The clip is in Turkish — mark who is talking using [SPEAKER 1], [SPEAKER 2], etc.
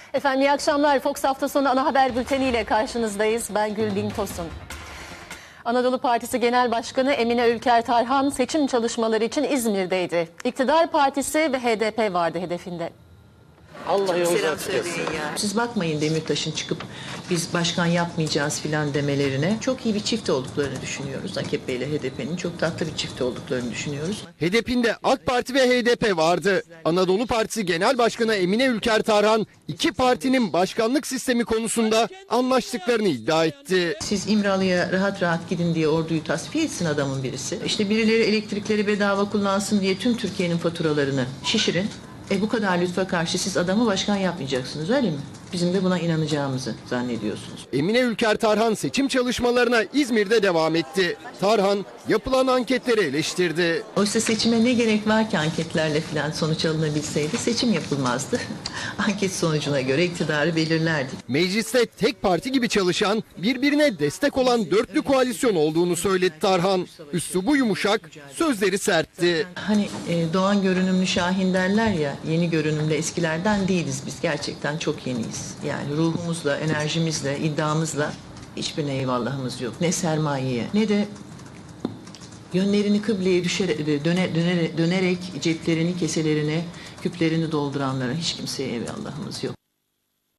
[SPEAKER 1] Efendim iyi akşamlar. Fox hafta sonu ana haber bülteniyle karşınızdayız. Ben Gülbin Tosun. Anadolu Partisi Genel Başkanı Emine Ülker Tarhan seçim çalışmaları için İzmir'deydi. İktidar Partisi ve HDP vardı hedefinde.
[SPEAKER 2] Allah yolunuzu
[SPEAKER 3] Selam
[SPEAKER 2] açık etsin.
[SPEAKER 3] söyleyin ya. Siz bakmayın Demirtaş'ın çıkıp biz başkan yapmayacağız filan demelerine. Çok iyi bir çift olduklarını düşünüyoruz. AKP ile HDP'nin çok tatlı bir çift olduklarını düşünüyoruz.
[SPEAKER 4] HDP'nde AK Parti ve HDP vardı. Anadolu Partisi Genel Başkanı Emine Ülker Tarhan iki partinin başkanlık sistemi konusunda anlaştıklarını iddia etti.
[SPEAKER 3] Siz İmralı'ya rahat rahat gidin diye orduyu tasfiye etsin adamın birisi. İşte birileri elektrikleri bedava kullansın diye tüm Türkiye'nin faturalarını şişirin. Bu kadar lütfa karşı siz adamı başkan yapmayacaksınız, öyle mi? Bizim de buna inanacağımızı zannediyorsunuz.
[SPEAKER 4] Emine Ülker Tarhan seçim çalışmalarına İzmir'de devam etti. Tarhan yapılan anketleri eleştirdi.
[SPEAKER 3] Oysa seçime ne gerek var ki anketlerle falan sonuç alınabilseydi seçim yapılmazdı. Anket sonucuna göre iktidarı belirlerdik.
[SPEAKER 4] Mecliste tek parti gibi çalışan, birbirine destek olan dörtlü koalisyon olduğunu söyledi Tarhan. Üslubu yumuşak, sözleri sertti.
[SPEAKER 3] Hani doğan görünümlü Şahin derler ya, yeni görünümlü eskilerden değiliz biz. Gerçekten çok yeniyiz. Yani ruhumuzla, enerjimizle, iddiamızla hiçbirine eyvallahımız yok. Ne sermayeye ne de yönlerini kıbleye dönerek ceplerini, keselerini, küplerini dolduranlara hiç kimseye eyvallahımız yok.